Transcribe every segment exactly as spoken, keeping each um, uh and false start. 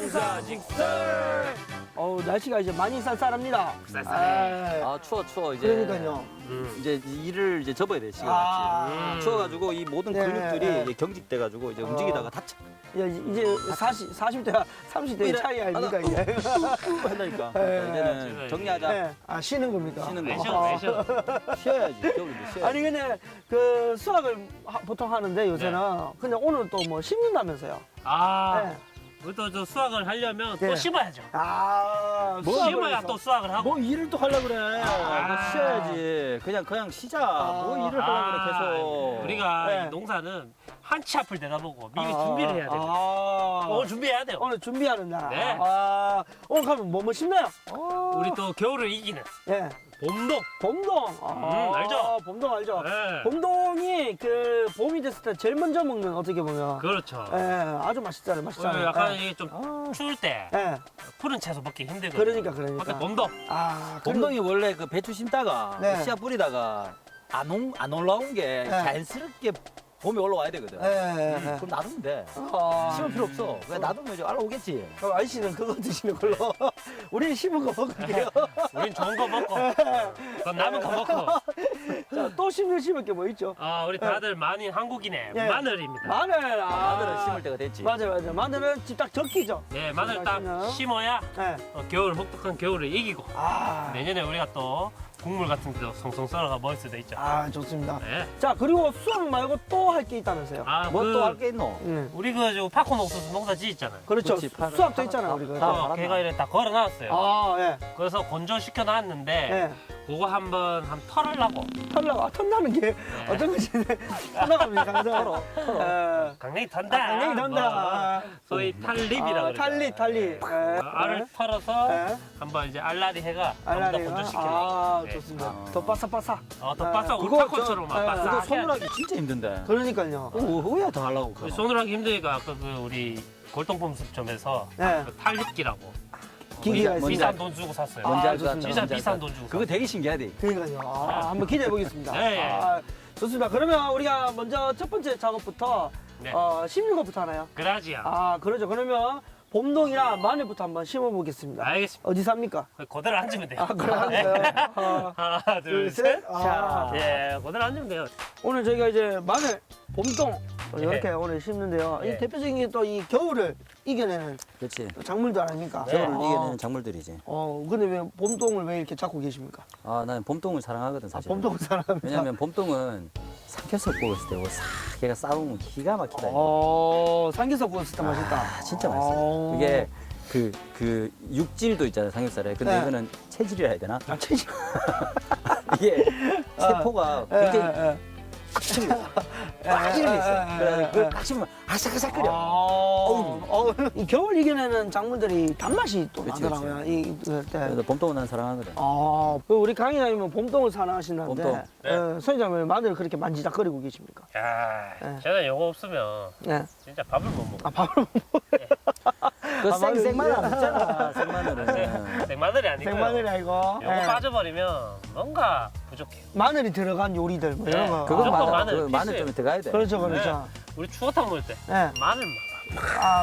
식사식설. 어우, 날씨가 이제 많이 쌀쌀합니다. 쌀쌀해. 아, 아 추워 추워 이제. 그러니까요. 음. 이제 일을 이제 접어야 돼 시간 아. 같이. 음. 추워가지고 이 모든 네, 근육들이 네. 이제 경직돼가지고 이제 어. 움직이다가 다쳐. 야, 이제 사십, 사십 대와 삼십 대의 이래. 차이 아닙니까, 이게? 한다니까. 네. 이제는 정리하자. 네. 아, 쉬는 겁니까? 쉬는 왜 거. 쉬어, 왜 쉬어. 쉬어야지. 겨울인데 쉬어야지. 아니, 근데 그 수학을 하- 보통 하는데 요새는. 근데 오늘 또 뭐 심는다면서요? 아, 네. 우리도 저 수학을 하려면 네. 또 심어야죠. 아, 뭐 수학을 심어야 해서. 또 수학을 하고. 뭐 일을 또 하려 그래. 아. 뭐 쉬어야지. 그냥 그냥 쉬자. 뭐 일을 하려 그래 계속. 우리가 네. 이 농사는 한치 앞을 내다보고 미리 아, 준비를 해야 돼요. 아, 오늘 준비해야 돼요. 오늘 준비하는 날. 네. 아, 오늘 가면 뭐뭐 심나요? 어, 우리 또 겨울을 이기는 예. 봄동. 봄동. 아, 음, 알죠? 봄동 알죠? 네. 봄동이 그 봄이 됐을 때 제일 먼저 먹는 어떻게 보면. 그렇죠. 예, 아주 맛있잖아요. 맛있잖아요. 오늘 약간 예. 이게 좀 아. 추울 때 예. 푸른 채소 먹기 힘들거든요. 그러니까, 그러니까. 근데 봄동. 아, 봄동이 원래 그 배추 심다가 네. 씨앗 뿌리다가 안, 온, 안 올라온 게 네. 자연스럽게 봄에 올라와야 되거든. 예, 예, 예. 그럼 놔두면 돼. 아, 심을 필요 없어. 왜 놔두면 이제 알아오겠지. 그럼 아저씨는 그거 드시는 걸로. 우리는 심은 거 먹을게요. 우린 좋은 거 먹고, 그건 남은 거 먹고. 자, 또 심을 심을 게 뭐 있죠? 아, 우리 다들 만인 한국인의 예. 마늘입니다. 마늘. 아, 마늘은 심을 때가 됐지. 맞아, 맞아. 마늘은 집 딱 적기죠. 네, 마늘 딱 맛있나? 심어야 예. 어, 겨울 혹독한 겨울을 이기고 아, 내년에 우리가 또 국물 같은 데도 송송 썰어가 먹을 수도 있죠. 아, 좋습니다. 네. 자, 그리고 수학 말고 또 할 게 있다면서요? 아, 뭐 그, 또 할 게 있노? 응. 우리 그저 팝콘 옥수수 농사 지었잖아요. 그렇죠. 그렇지, 팔- 수학도 팔- 있잖아요, 팔- 우리가. 팔- 어, 걔가 이래 다 걸어놨어요. 아, 예. 그래서 건조시켜 놨는데 예. 그거 한번 한 털으려고 털나가, 아, 털나는 게 어떤 것이 털나갑니다, 강사. 털어, 털어. 강냉이 턴다. 강냉이 턴다. 뭐, 소위 탈립이라 아, 그러죠. 탈리, 탈리. 예. 어, 알을 털어서 예. 한번 이제 알라리 해가 한번 더 알라리가. 건조시키려고. 아, 네. 좋습니다. 아. 더 바삭바삭. 어, 더 아, 바싹 우리 그거 팝콘처럼 저- 막 아, 바싹 그거 해야지. 손으로 하기 진짜 힘든데. 그러니까요. 그거 왜 더 하려고 우리 그거. 손으로 하기 힘드니까 아까 그 우리 골동품점에서 네. 그 탈립기라고 기기가 뭔지 비싼 있습니다. 돈 주고 샀어요. 아, 뭔지 알 것 좋습니다. 같아. 진짜 뭔지 알 비싼 것 돈 같아. 주고 그거 되게 신기하대. 그러니까요. 아, 한번 기대해 보겠습니다. 네, 예. 아, 좋습니다. 그러면 우리가 먼저 첫 번째 작업부터 네. 어, 심는 것부터 하나요? 그라지야. 아, 그러죠. 그러면 봄동이랑 마늘부터 한번 심어 보겠습니다. 알겠습니다. 어디 삽니까? 그대로 앉으면 돼요. 아, 그래 하세요. 어, 하나, 둘, 둘, 셋. 셋. 자, 아. 예, 그대로 앉으면 돼요. 오늘 저희가 이제 마늘, 봄동 네. 이렇게 오늘 심는데요. 네. 이 대표적인 게 또 이 겨울을 이겨내는 그렇지. 작물도 아닙니까? 네. 겨울을 어, 이겨내는 작물들이지. 어, 근데 왜 봄동을 왜 이렇게 잡고 계십니까? 아, 나는 봄동을 사랑하거든 아, 사실. 봄동을 사랑합니다. 왜냐면 봄동은 삼겹살 구웠을 때 싹 걔가 싸우면 기가 막히다. 어, 삼겹살 구웠을 때 맛있다. 아, 진짜 맛있어. 어. 이게 그, 그 육질도 있잖아요 삼겹살에. 근데 네. 이거는 체질이라 해야 되나? 아, 체질. 이게 세포가 굉장히 예, 예. 빠지는 게 예, 있어요. 예, 그래서 예, 그걸 예. 딱 씹으면 아삭아삭거려. 어, 어, 이 겨울 이겨내는 작물들이 단맛이 또 그치, 나더라고요. 이, 그 때. 그래서 봄동은 난 사랑하거든. 아, 그 우리 강의장님은 봄동을 사랑하신다는데, 봄동. 네. 예, 선생님 왜 마늘을 그렇게 만지작거리고 계십니까? 야, 네. 제가 이거 없으면 예. 진짜 밥을 못 먹어. 아, 밥을 못 그 아, 생, 마늘 생마늘 안 이게- 먹잖아, 생마늘은. 생마늘이 아니고 생마늘이 아니고. 요거 예. 빠져버리면 뭔가 부족해. 마늘이 들어간 요리들, 뭐 이런 네. 거. 그건 무조건 맞아. 마늘 그 마늘 필수예요. 좀 들어가야 돼. 그렇죠, 그렇죠. 우리 추어탕 먹을 때 예. 마늘만. 아,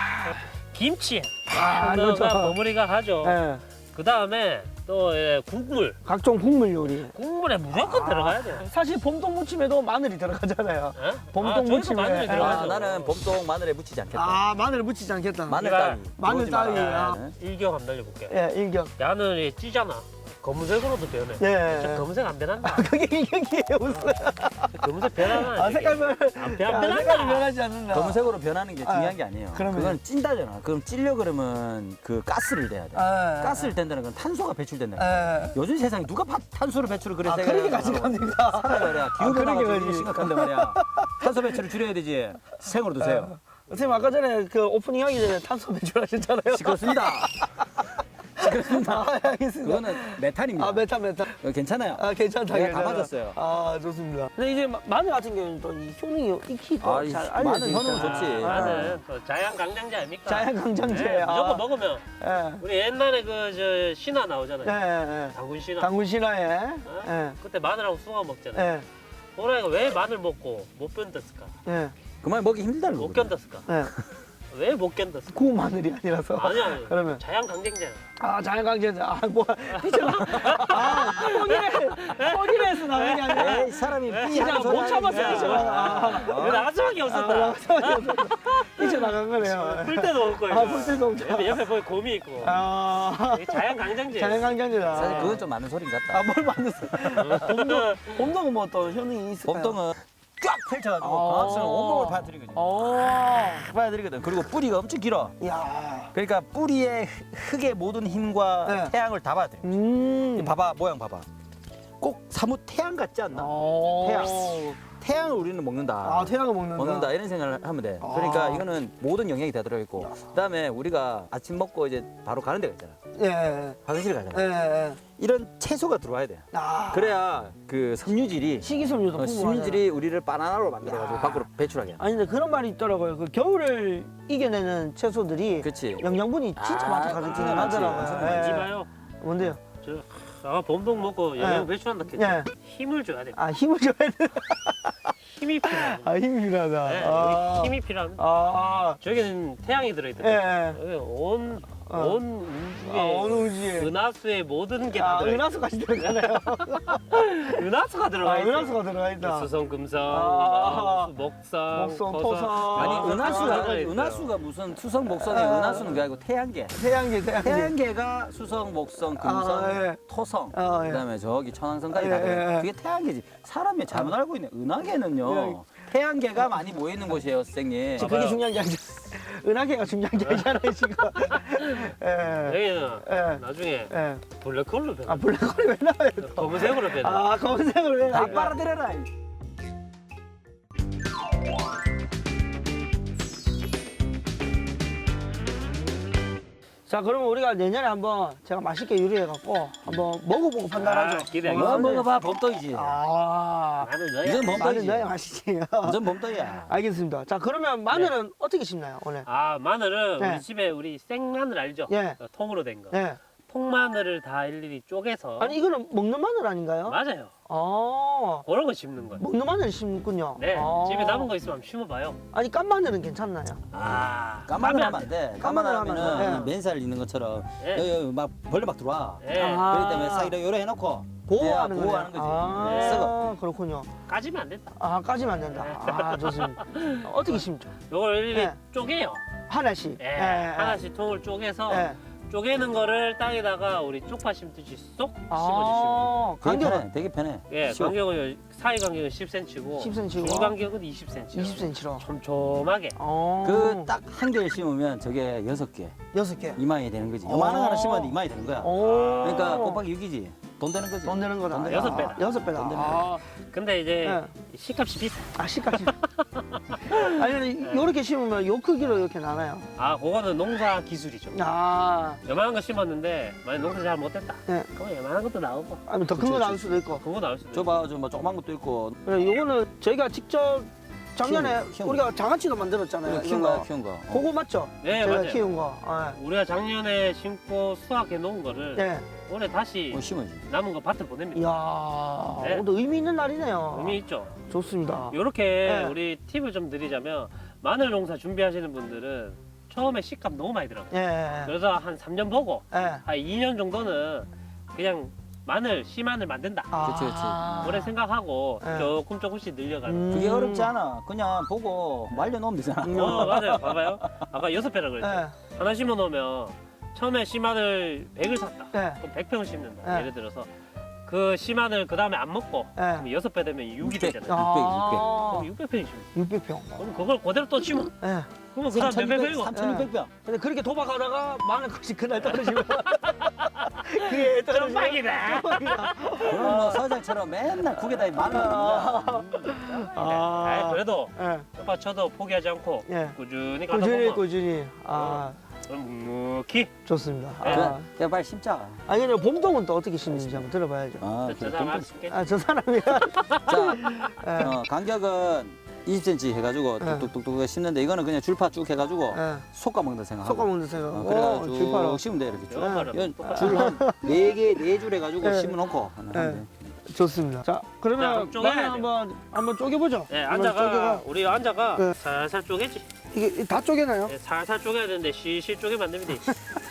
김치에 아, 넣어가 그렇죠. 버무리가 하죠. 예. 그 다음에 또 예, 국물. 각종 국물 요리. 국물에 무조건 들어가야 돼요. 사실 봄동 무침에도 마늘이 들어가잖아요. 예? 봄동 아, 저희도 무침에. 마늘이 아, 아, 들어가죠. 나는 봄동 마늘에 묻히지 않겠다. 아, 마늘을 묻히지 않겠다. 마늘 이거 따위. 마늘 들어오지 마라. 따위, 아. 네. 일경 한번 날려볼게요. 예, 일격. 야는 찌잖아. 검은색으로도 변해. 예. 저 검은색 안 변한다. 그게 일격이에요, 무슨. 검은색 변하나? 아, 색깔 변, 안 변, 아, 안 색깔이 변한다. 변하지 않는다. 검은색으로 변하는 게 중요한 아, 게 아니에요. 그러면- 그건 찐다잖아. 그럼 찔려 그러면 그 가스를 내야 돼. 아, 가스를 댄다는 건 탄소가 배출된다. 예. 요즘 세상에 누가 파- 탄소를 배출을 그래 아, 세게 그렇게 하냐고. 가져갑니까? 살아야 말이야. 아, 기후 변화가 그러게 굉장히 말이지. 심각한데 말이야. 탄소 배출을 줄여야 되지. 생으로 드세요. 선생님, 아까 전에 그 오프닝 하기 전에 탄소 배출하셨잖아요. 시끄럽습니다. 시끄럽습니다. 아, 알겠습니다. 그거는 메탄입니다. 아, 메탄, 메탄. 어, 괜찮아요. 아, 괜찮다. 내가 다 괜찮아. 맞았어요. 아, 좋습니다. 근데 이제 마- 마늘 같은 경우는 또 이 효능이 익히 아, 또 이 잘 마늘 알려져 효능은 있잖아. 좋지. 아, 나는 또 자양 강장제 아닙니까? 자연 강장제. 네, 아. 무조건 먹으면 예. 우리 옛날에 그 저 신화 예, 나오잖아요. 예, 예. 당군 신화. 당군 신화에. 어? 예. 그때 마늘하고 숭어 먹잖아요. 예. 호랑이가 왜 마늘 먹고 못 견뎠을까? 예. 그만 먹기 힘들다는 못 거거든. 견뎠을까? 예. 왜 못 견뎠어? 구운 마늘이 아니라서. 아니 아니. 그러면 자양 강쟁제야. 아 자연강제자. 아 뭐 피처가. 아 뻑이래 뻑이래서 나온 게 아니라. 에이, 사람이 삐 진짜 하는 소리 못 참았어 하니까. 피처가. 왜 나갈 수밖에 없었다. 피처 나간 거네요. 풀 때도 없고. 아, 풀 때도 없죠. 옆에, 옆에 보니 곰이 있고. 아 이게 자양 강쟁제. 자연강제자. 사실 그건 좀 맞는 소린 같다. 아뭘 만났어. 봄동 봄동은 뭐 또 효능이 있을까요? 봄동은 쫙 펼쳐가지고 아. 광합성을 온몸을 파뜨리거든요. 어. 파뜨리거든. 그리고 뿌리가 엄청 길어. 야. 그러니까 뿌리에 흙의 모든 힘과 네. 태양을 다 받아들여. 음. 봐봐, 모양 봐봐. 꼭 사뭇 태양 같지 않나? 어. 태양. 태양을 우리는 먹는다. 아 태양을 먹는다. 먹는다 이런 생각을 하면 돼. 아. 그러니까 이거는 모든 영양이 다 들어있고, 그다음에 우리가 아침 먹고 이제 바로 가는 데가 있잖아. 예. 화장실 예. 가잖아. 예. 이런 채소가 들어와야 돼. 아. 그래야 그 섬유질이 식이섬유도 어, 풍부하잖아. 섬유질이 우리를 바나나로 만들어가지고 야. 밖으로 배출하게. 아니 근데 그런 말이 있더라고요. 그 겨울을 이겨내는 채소들이 그렇지. 영양분이 진짜 아, 많다고 많지, 하더라고요. 많지. 예. 이지 마요. 뭔데요? 저 아, 봄동 먹고 영양 네. 배출한다 했죠. 예. 힘을 줘야 돼. 아 힘을 줘야 돼. 힘이 필요해. 아 힘이 필요하다. 네, 아. 여기 힘이 필요합니다. 아. 저기는 태양이 예. 들어있거든요. 예. 여기 온, 어. 온 아, 어느 우주에 우지에. 은하수의 모든 게 다 아, 들어있어. 은하수까지 들어가네요. 은하수가 들어가 아, 있어. 은하수가 들어가 있다. 수성, 금성, 아. 은하수, 목성, 목성, 토성. 토성. 아니 아, 은하수가 들어있어요. 은하수가 무슨 수성 목성이 아. 은하수는 게 아니고 태양계. 태양계, 태양계. 태양계가 수성, 목성, 금성, 아, 예. 토성, 아, 예. 그다음에 저기 천왕성까지 예, 다 들어요. 예, 예. 그게 태양계지. 사람이 잘못 알고 있네. 은하계는요. 예. 태양계가 많이 모여 있는 곳이에요, 선생님. 지금 그게 중요한 게 아니죠. 은하계가 중요한 게 아니잖아요, 지금. 예. 여기는 예. 나중에 예. 블랙홀로 변해. 아, 블랙홀이 왜 나와요, 또? 검은색으로 변해. 아, 검은색으로 왜 다 나와요? 빨아들여라. 자, 그러면 우리가 내년에 한번 제가 맛있게 요리해갖고 한번 먹어보고 판단하죠. 아, 기대해. 뭐 먹어봐, 범떡이지. 아, 나는 너야. 이건 마늘 범떡이지. 넣어야 맛있지. 완전 범떡이야. 알겠습니다. 자, 그러면 마늘은 어떻게 심나요, 오늘? 아 마늘은 네. 우리 집에 우리 생마늘 알죠? 예. 어, 통으로 된 거. 네. 통마늘을 다 일일이 쪼개서. 아니, 이거는 먹는 마늘 아닌가요? 맞아요. 아, 그런 거 심는 거예요. 먹는 마늘 심군요. 네. 아. 집에 남은 거 있으면 한번 심어봐요. 아니, 깐 마늘은 괜찮나요? 아. 까마늘 까면 하면 안 돼. 까마늘 까마늘 하면 하면은 안 돼. 맨살 있는 것처럼 예. 여기, 여기 막 벌레 막 들어와. 예. 아. 그렇기 때문에 싹 이렇게 요래 해놓고 보호하는 네, 거네요. 보호하는 거지. 아, 네, 썩어. 그렇군요. 까지면 안 된다. 아, 까지면 안 된다. 아, 좋습니다. 어떻게 심죠? 요걸 일일이 네. 쪼개요. 하나씩. 예. 예, 예. 하나씩 통을 쪼개서 예. 쪼개는 거를 땅에다가 우리 쪽파 심듯이 쏙 심어주시면 아, 되게 간격은 편해. 되게 편해. 예, 쉬워. 간격은 사이 간격은 십 센티미터고 십 센티미터 고 중 간격은 이십 센티미터. 이십 센티미터로. 촘촘하게. 어. 그 딱 한 개를 심으면 저게 여섯 개, 여섯 개. 이만이 되는 거지. 어. 요만한 거 하나 심었는데 이만이 되는 거야. 오. 그러니까 곱하기 육이지. 돈 되는 거지. 돈 되는 거다. 돈 되는 여섯 아, 배다. 여섯 배다. 돈 되는 아, 근데 이제 네. 식값이 비싸. 아, 시까지. 아니, 요렇게 심으면 요 크기로 이렇게 나나요? 아, 그거는 농사 기술이죠. 아, 요만한 거 심었는데 만약 농사 잘 못했다. 네. 그럼 요만한 것도 나오고 아니면 더 큰 거 그치, 나올 그치. 수도 있고. 그거 나올 수도 있고. 줘봐, 저뭐 조그만 것도 있고. 그래, 요거는 저희가 직접 작년에 키운 거, 키운 우리가 장아찌도 만들었잖아요. 그래, 키운 이런 거야, 키운 거. 어. 그거 맞죠? 네, 제가 맞아요. 키운 거. 아, 우리가 작년에 심고 수확해 놓은 거를 네. 올해 다시 뭐 심어야지. 남은 거 밭에 보냅니다. 이야, 네. 오늘 의미 있는 날이네요. 의미 있죠. 좋습니다. 이렇게 네. 우리 팁을 좀 드리자면 마늘 농사 준비하시는 분들은 처음에 식값 너무 많이 들어가요. 예, 예, 그래서 한 삼 년 보고 예. 한 이 년 정도는 그냥 마늘, 씨마늘 만든다. 아. 그치, 그치. 오래 생각하고 네. 조금 조금씩 늘려가는. 음. 그게 어렵지 않아. 그냥 보고 말려놓으면 되잖아. 음. 어 맞아요. 봐봐요. 아까 여섯 배라 그랬죠. 예, 하나 심어 놓으면 처음에 씨마늘 백을 샀다. 예, 그럼 백 평을 심는다. 네. 예를 들어서 그 씨마늘 그 다음에 안 먹고 예. 그럼 여섯 배 되면 육이 육백. 되잖아요. 아, 그럼 육백 평이 심어. 육백 평. 그럼 그걸 그대로 또 심어. 예. 그러면 그 다음 몇백 평이고. 삼천육백 병. 근데 그렇게 도박하다가 마늘 컷이 그날 떨어지면 그게 떨어지면 점박이다. 깜빡이다. 그럼 뭐 서장처럼 맨날 국에다 마늘 넣는다. 아. 아, 그래도 예, 오빠 쳐도 포기하지 않고 예. 꾸준히 가다 꾸준히 보면 꾸준히. 아, 그럼 묵묵히 좋습니다. 네. 아, 그, 그냥 빨리 심자. 아니 근데 봄동은 또 어떻게 심는지 한번 들어봐야죠. 아, 저 그래, 사람 좀- 할수 아, 저 사람이야. 자, 예, 어, 간격은 이십 센티미터 해가지고 네. 뚝뚝뚝뚝 심는데 이거는 그냥 줄파 쭉 해가지고 예. 속가 먹는다 생각하고. 섞어 먹는 생각. 어, 오, 그래가지고 줄파로. 쭉 심으면 돼 이렇게 쭉. 영화를 이건 똑같이 줄한네 개, 네 줄 해가지고 네. 심어놓고 하면 네. 돼. 좋습니다. 자, 자, 그러면 그럼 쪼개야 마늘 돼요. 한번 한번 쪼개보죠. 네, 한번 앉아가 쪼개가. 우리 앉아가 네. 살살 쪼개지. 이게 다 쪼개나요? 네, 살살 쪼개야 되는데 실실 쪼개면 안 됩니다.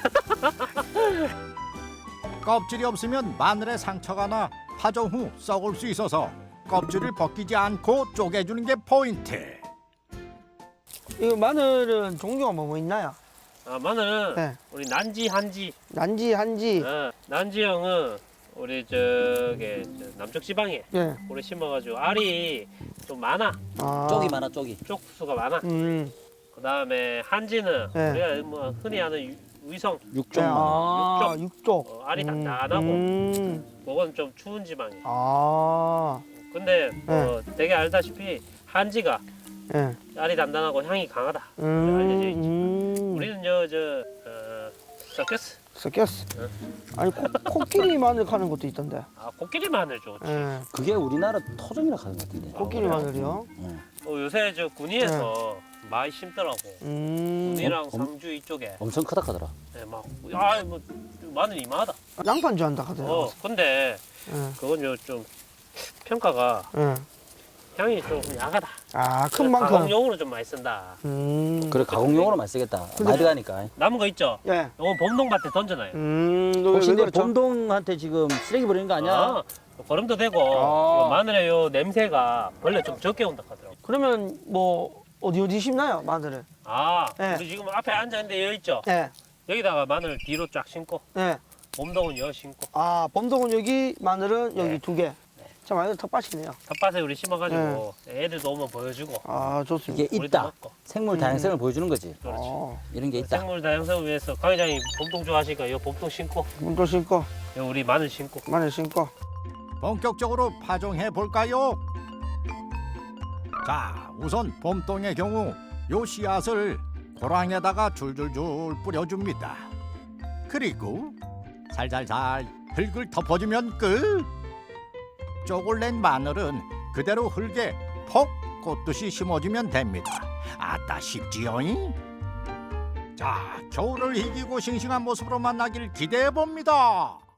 껍질이 없으면 마늘에 상처가 나 파종 후 썩을 수 있어서 껍질을 벗기지 않고 쪼개주는 게 포인트. 이거 마늘은 종류가 뭐, 뭐 있나요? 아, 마늘은 네. 우리 난지, 한지. 난지, 한지. 어, 난지형은 우리 저기 저 남쪽 지방에 예. 오래 심어가지고 알이 좀 많아. 아. 쪽이 많아 쪽이. 쪽수가 많아. 음. 그 다음에 한지는 네. 우리가 뭐 흔히 아는 유- 위성. 네, 육쪽만. 아, 육쪽. 육쪽. 어, 알이 음, 단단하고 음. 그건 좀 추운 지방이에요. 아. 근데 네. 뭐 되게 알다시피 한지가 예. 알이 단단하고 향이 강하다. 음. 알려져 있지. 음. 우리는 저저 어, 서커스. 섞였어. 응. 아니, 코, 코끼리 마늘 가는 것도 있던데. 아 코끼리 마늘 좋지. 예. 그게 우리나라 토종이라 하는 것 같은데. 코끼리 그래요? 마늘이요? 응. 어, 요새 저 군위에서 많이 심더라고. 음. 군위랑 어, 상주 이쪽에 엄청 크다 하더라. 네, 막, 아, 뭐, 마늘 이마하다. 양파인 줄 안다 하더라고. 어, 근데 예. 그건 요 좀 평가가 예. 향이 좀 야하다. 아, 큰 만큼. 가공용으로 좀 많이 쓴다. 음. 그래 가공용으로 많이 쓰겠다. 근데- 많이 들어가니까. 남은 거 있죠? 예. 이건 봄동밭에 던져놔요. 음. 너 혹시 왜 내 그렇죠? 봄동한테 지금 쓰레기 버리는 거 아니야? 아, 거름도 되고 아. 요 마늘의 요 냄새가 원래 좀 적게 온다 하더라고. 그러면 뭐 어디 어디 심나요, 마늘을? 아, 네. 우리 지금 앞에 앉아 있는데 여기 있죠? 예. 여기다가 마늘 뒤로 쫙 심고 예. 봄동은 여 심고 아, 범동은 여기, 마늘은 여기 네. 두 개. 자, 마늘 텃밭이네요. 텃밭에 우리 심어가지고 애들도 오면 보여주고 아, 좋습니다. 이게 우리도 있다. 먹고. 생물 음. 다양성을 보여주는 거지. 그렇지. 어, 이런 게 있다. 생물 다양성을 위해서 강 회장이 봄동 좋아하시니까 이 봄동 심고 문도 심고, 요 우리 마늘 심고 마늘 심고. 본격적으로 파종해 볼까요? 자, 우선 봄동의 경우 요 씨앗을 고랑에다가 줄줄줄 뿌려줍니다. 그리고 살살살 흙을 덮어주면 끝. 쪽을 낸 마늘은 그대로 흙에 폭 꽂듯이 심어주면 됩니다. 아따 쉽지요잉? 자, 겨울을 이기고 싱싱한 모습으로 만나길 기대해 봅니다.